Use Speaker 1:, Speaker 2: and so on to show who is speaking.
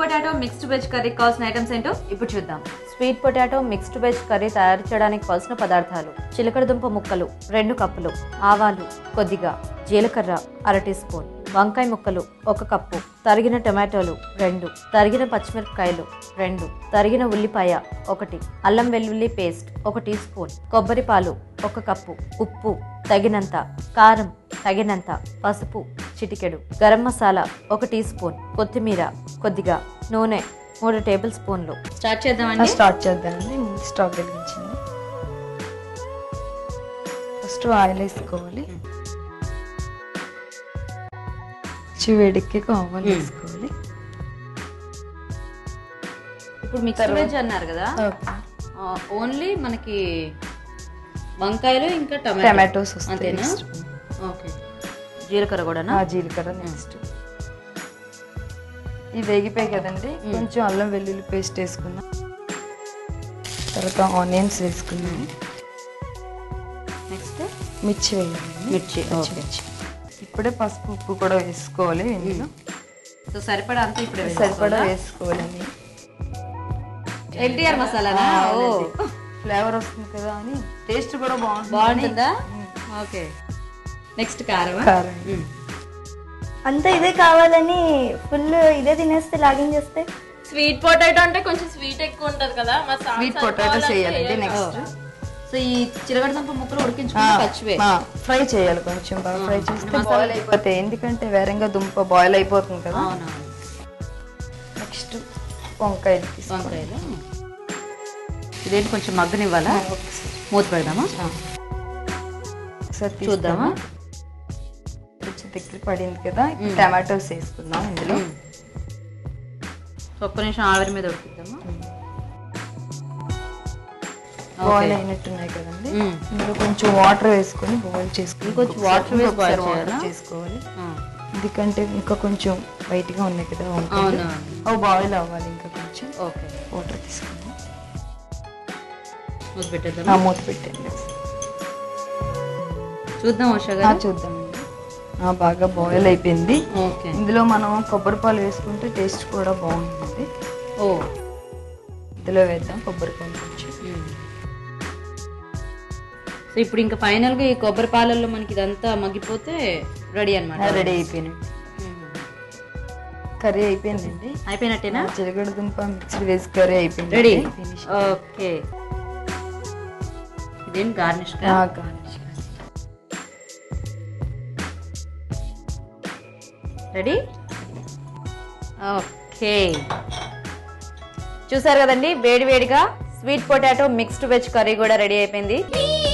Speaker 1: Potato mixed veg curry కావాల్సిన items ఏంటో ఇప్పుడు చూద్దాం. Sweet potato mixed veg curry తయారు చేయడానికి కావాల్సిన పదార్థాలు: చిలకడదుంప ముక్కలు 2 కప్పులు, ఆవాలు కొద్దిగా, జీలకర్ర 1/2 టీ స్పూన్, వంకాయ ముక్కలు 1 కప్పు, తరిగిన టొమాటోలు 2, తరిగిన పచ్చిమిరపకాయలు 2, తరిగిన ఉల్లిపాయ 1, అల్లం వెల్లుల్లి పేస్ట్ 1 టీ స్పూన్, కొబ్బరి పాలు 1 కప్పు, ఉప్పు తగినంత, కారం తగినంత, పసుపు చిటికెడు, గరం మసాలా 1 టీ స్పూన్, కొత్తిమీర కొద్దిగా, నూనె 3 టేబుల్ స్పూన్లు. స్టార్ట్ చేద్దామండి.
Speaker 2: స్టవ్ వెలిగించింది. ఫస్ట్ ఆయిల్ వేసుకోవాలి. వేడికి ఆవాలు వేసుకోవాలి.
Speaker 1: ఇప్పుడు మిక్స్డ్ వెజ్ అన్నారు కదా, ఓన్లీ మనకి వంకాయలు ఇంకా
Speaker 2: టమాటోస్
Speaker 1: అంతేనా? ఓకే. జీలకర్ర కూడానా?
Speaker 2: జీలకర్ర నెక్స్ట్. ఇవి వేగిపోయి కదండి, కొంచెం అల్లం వెల్లుల్లి పేస్ట్ వేసుకున్నాం. తర్వాత ఆనియన్స్ వేసుకున్నాం.
Speaker 1: నెక్స్ట్
Speaker 2: మిర్చి వేయాలి.
Speaker 1: మిర్చి.
Speaker 2: ఇప్పుడే పసుపు ఉప్పు కూడా వేసుకోవాలి. ఇందులో
Speaker 1: సో సరిపడా అంతా ఇప్పుడే
Speaker 2: సరిపడా వేసుకోవాలని.
Speaker 1: ఎన్టీఆర్ మసాలానా?
Speaker 2: ఫ్లేవర్ వస్తుంది కదా అని, టేస్ట్ కూడా
Speaker 1: బాగుంటుందా? ఓకే. నెక్స్ట్ కారం.
Speaker 3: అంతా ఇదే కావాలని ఫుల్ ఇదే తినేస్తే లాగింగ్ చేస్తే.
Speaker 4: స్వీట్ పొటాటో అంటే కొంచెం స్వీట్ ఎక్కువ ఉంటది కదా,
Speaker 2: స్వీట్ పొటాటోస్ వేయాలండి. నెక్స్ట్
Speaker 1: సో ఈ చిలకడదుంప ముక్కలు ఉడికించుకుని పచ్చివే
Speaker 2: ఫ్రై చేయాలి. కొంచెం బాగా ఫ్రై చేస్తే బాయిల్ అయిపోతాయి, ఎందుకంటే వేరంగా దుంప బాయిల్ అయిపోతుంది కదా. నెక్స్ట్ వంకాయలు.
Speaker 1: ఇదేంటి కొంచెం మగ్గనివ్వాలా? మూత పెడదామా?
Speaker 2: ఒకసారి చూద్దామా? కొంచెం దగ్గర పడింది కదా. టమాటోస్ వేసుకుందాం ఇందులో.
Speaker 1: ఒక్క నిమిషం ఆవిరి మీద ఉడికిద్దామా?
Speaker 2: బాయిల్ అయినట్టున్నాయి కదండి. ఇందులో కొంచెం వాటర్ వేసుకొని బాయిల్ చేసుకుని,
Speaker 1: కొంచెం వాటర్ వేసి బాయిల్
Speaker 2: చేసుకోవాలి. ఎందుకంటే ఇంకా కొంచెం వైట్ గా ఉన్నాయి కదా అవి బాయిల్ అవ్వాలి. ఇంకా కొంచెం వాటర్ తీసుకుందాం.
Speaker 1: మూత పెట్టేద్దాం.
Speaker 2: మూత పెట్టండి.
Speaker 1: చూద్దాం
Speaker 2: చూద్దామండి. బాగా బాయిల్ అయిపోయింది. ఇందులో మనం కొబ్బరి పాలు వేసుకుంటే టేస్ట్ కూడా బాగుంటుంది. ఇందులో వేద్దాం కొబ్బరి పాలు కొంచెం.
Speaker 1: సో ఇప్పుడు ఇంకా ఫైనల్ గా ఈ కొబ్బరి పాలల్లో మనకి ఇదంతా మగ్గిపోతే రెడీ అన్నమాట.
Speaker 2: రెడీ అయిపోయినట్టు. కర్రీ అయిపోయిందండి.
Speaker 1: అయిపోయినట్టేనా?
Speaker 2: చిలకడదుంప మిక్స్డ్ వెజ్ కర్రీ అయిపోయింది.
Speaker 1: రెడీ. ఓకే. ఇదేం గార్నిష్. రెడీ. ఓకే. చూసారు కదండి, వేడివేడిగా sweet potato mixed veg curry కూడా రెడీ అయిపోయింది.